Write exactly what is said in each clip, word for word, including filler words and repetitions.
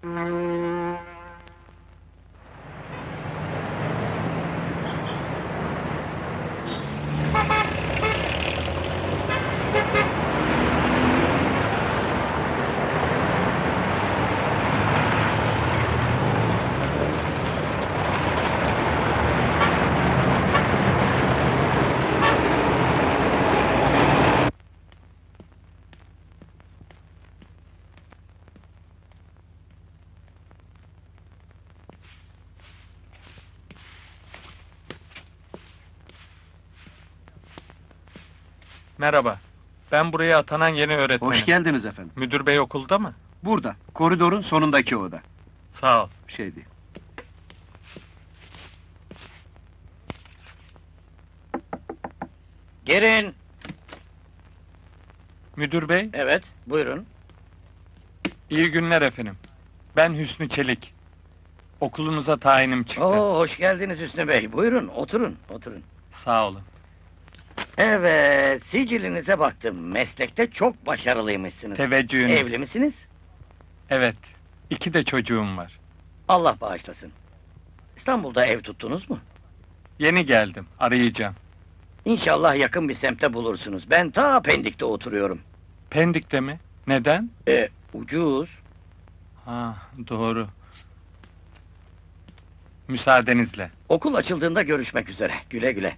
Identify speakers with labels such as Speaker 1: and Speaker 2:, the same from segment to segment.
Speaker 1: Merhaba, ben buraya atanan yeni öğretmenim.
Speaker 2: Hoş geldiniz efendim.
Speaker 1: Müdür bey okulda mı?
Speaker 2: Burada, koridorun sonundaki oda.
Speaker 1: Sağ ol.
Speaker 2: Şey değil.
Speaker 3: Girin.
Speaker 1: Müdür bey,
Speaker 3: Evet, buyurun.
Speaker 1: iyi günler efendim. Ben Hüsnü Çelik. Okulunuza tayinim çıktı.
Speaker 3: Oo, hoş geldiniz Hüsnü Bey. Buyurun, oturun, oturun.
Speaker 1: Sağ olun.
Speaker 3: Evet, sicilinize baktım. Meslekte çok başarılıymışsınız.
Speaker 1: Teveccühünüz.
Speaker 3: Evli misiniz?
Speaker 1: Evet, iki de çocuğum var.
Speaker 3: Allah bağışlasın. İstanbul'da ev tuttunuz mu?
Speaker 1: Yeni geldim, arayacağım.
Speaker 3: İnşallah yakın bir semtte bulursunuz. Ben ta Pendik'te oturuyorum.
Speaker 1: Pendik'te mi? Neden?
Speaker 3: E, ucuz.
Speaker 1: Ha, doğru. Müsaadenizle.
Speaker 3: Okul açıldığında görüşmek üzere. Güle güle.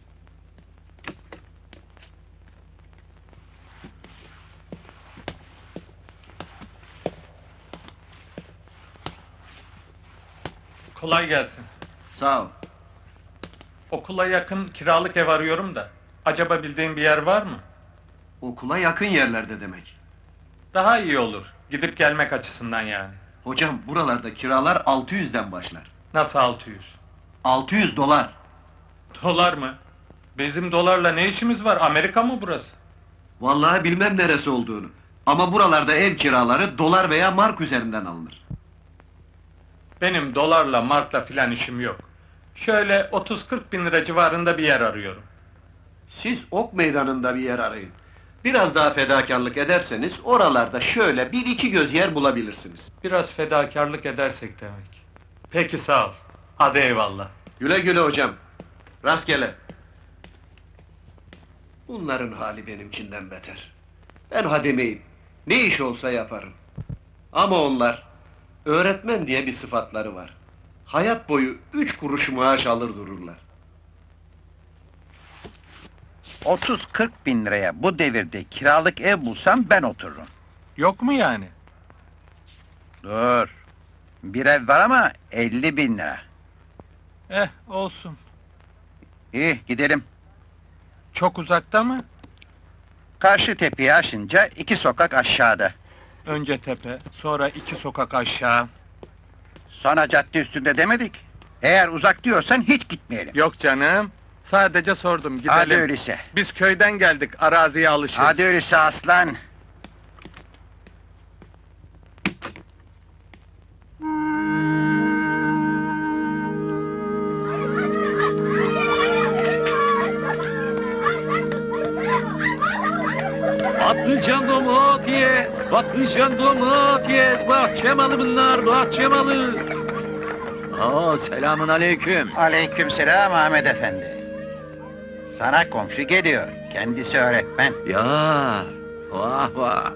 Speaker 1: Kolay gelsin.
Speaker 2: Sağ ol.
Speaker 1: Okula yakın kiralık ev arıyorum da. Acaba bildiğin bir yer var mı?
Speaker 2: Okula yakın yerlerde demek.
Speaker 1: Daha iyi olur. Gidip gelmek açısından yani.
Speaker 2: Hocam, buralarda kiralar altı yüzden başlar.
Speaker 1: Nasıl altı yüz?
Speaker 2: altı yüz dolar.
Speaker 1: Dolar mı? Bizim dolarla ne işimiz var? Amerika mı burası?
Speaker 2: Vallahi bilmem neresi olduğunu. Ama buralarda ev kiraları dolar veya mark üzerinden alınır.
Speaker 1: Benim dolarla, markla filan işim yok. Şöyle otuz kırk bin lira civarında bir yer arıyorum.
Speaker 2: Siz ok meydanında bir yer arayın. Biraz daha fedakarlık ederseniz oralarda şöyle bir iki göz yer bulabilirsiniz.
Speaker 1: Biraz fedakarlık edersek demek. Peki sağ ol. Hadi eyvallah.
Speaker 2: Güle güle hocam. Rastgele. Bunların hali benimkinden beter. Ben hademeyim. Ne iş olsa yaparım. Ama onlar, öğretmen diye bir sıfatları var. Hayat boyu üç kuruş maaş alır dururlar.
Speaker 4: otuz kırk bin liraya bu devirde kiralık ev bulsam ben otururum.
Speaker 1: Yok mu yani?
Speaker 4: Dur. Bir ev var ama elli bin lira.
Speaker 1: Eh, olsun.
Speaker 4: İyi, gidelim.
Speaker 1: Çok uzakta mı?
Speaker 4: Karşı tepeyi aşınca iki sokak aşağıda.
Speaker 1: Önce tepe, sonra iki sokak aşağı.
Speaker 4: Sonra cadde üstünde demedik. Eğer uzak diyorsan hiç gitmeyelim.
Speaker 1: Yok canım. Sadece sordum, gidelim.
Speaker 4: Hadi öyleyse.
Speaker 1: Biz köyden geldik, araziye alışırız.
Speaker 4: Hadi öyleyse aslan.
Speaker 5: Patlıcan domates, patlıcan domates, bahçe malı bunlar, bahçe malı. Aa, selamun aleyküm.
Speaker 4: Aleykümselam Ahmet Efendi. Sana komşu geliyor. Kendisi öğretmen.
Speaker 5: Ya, vah vah.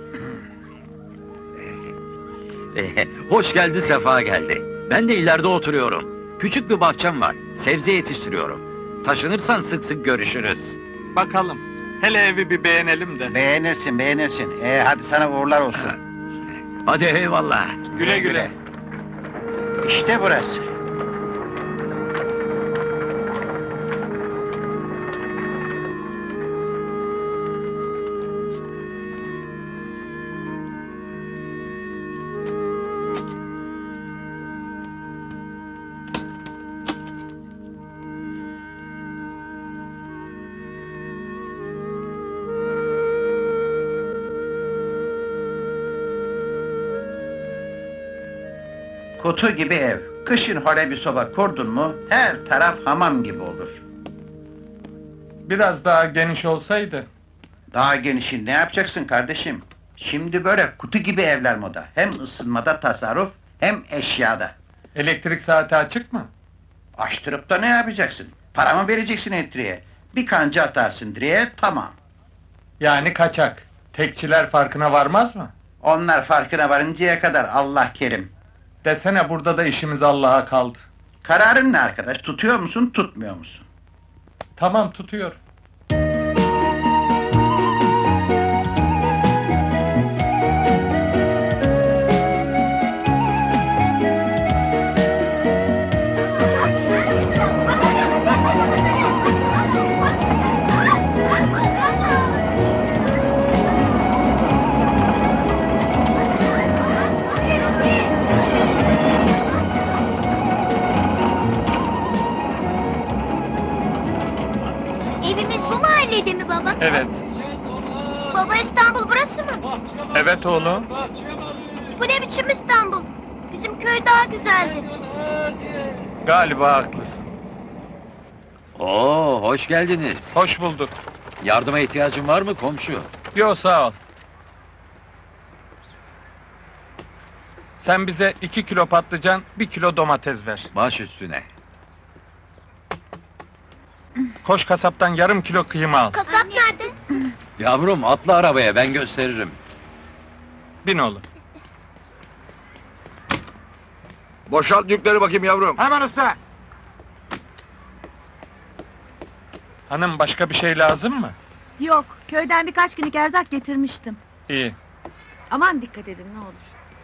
Speaker 5: Eh, Hoş geldi, sefa geldi. Ben de ileride oturuyorum. Küçük bir bahçem var, sebze yetiştiriyorum. Taşınırsan sık sık görüşürüz.
Speaker 1: Bakalım. Hele evi bir beğenelim de.
Speaker 4: Beğenirsin, beğenirsin. Ee, hadi sana uğurlar olsun.
Speaker 5: Hadi eyvallah.
Speaker 1: Güle güle.
Speaker 4: İşte burası. Kutu gibi ev. Kışın hole bir soba kurdun mu, her taraf hamam gibi olur.
Speaker 1: Biraz daha geniş olsaydı.
Speaker 4: Daha genişin ne yapacaksın kardeşim? Şimdi böyle kutu gibi evler moda. Hem ısınmada tasarruf, hem eşyada.
Speaker 1: Elektrik saati açık mı?
Speaker 4: Açtırıp da ne yapacaksın? Para mı vereceksin elektriğe? Bir kanca atarsın direğe, tamam.
Speaker 1: Yani kaçak. Tekçiler farkına varmaz mı?
Speaker 4: Onlar farkına varıncaya kadar Allah kerim.
Speaker 1: Desene burada da işimiz Allah'a kaldı.
Speaker 4: Kararın ne arkadaş? Tutuyor musun, tutmuyor musun?
Speaker 1: Tamam, tutuyor.
Speaker 6: Evimiz bu mahallede mi baba?
Speaker 1: Evet.
Speaker 6: Baba, İstanbul burası mı?
Speaker 1: Evet oğlum.
Speaker 6: Bu ne biçim İstanbul? Bizim köy daha güzeldi.
Speaker 1: Galiba haklısın.
Speaker 5: Oo, hoş geldiniz.
Speaker 1: Hoş bulduk.
Speaker 5: Yardıma ihtiyacın var mı komşu?
Speaker 1: Yo, sağ ol. Sen bize iki kilo patlıcan, bir kilo domates ver.
Speaker 5: Baş üstüne.
Speaker 1: Koş kasaptan yarım kilo kıyma al.
Speaker 6: Kasap nerede?
Speaker 5: Yavrum atla arabaya, ben gösteririm.
Speaker 1: Bin oğlum.
Speaker 7: Boşalt yükleri bakayım yavrum.
Speaker 4: Hemen usta!
Speaker 1: Hanım, başka bir şey lazım mı?
Speaker 8: Yok, köyden birkaç günlük erzak getirmiştim.
Speaker 1: İyi.
Speaker 8: Aman dikkat edin ne olur.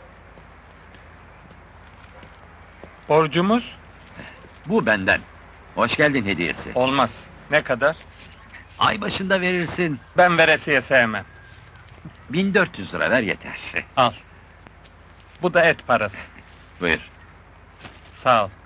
Speaker 1: Borcumuz?
Speaker 5: Bu benden. Hoş geldin hediyesi.
Speaker 1: Olmaz. Ne kadar?
Speaker 5: Ay başında verirsin.
Speaker 1: Ben veresiye sevmem.
Speaker 5: bin dört yüz lira ver yeter.
Speaker 1: Al. Bu da et parası.
Speaker 5: Buyur.
Speaker 1: Sağ ol.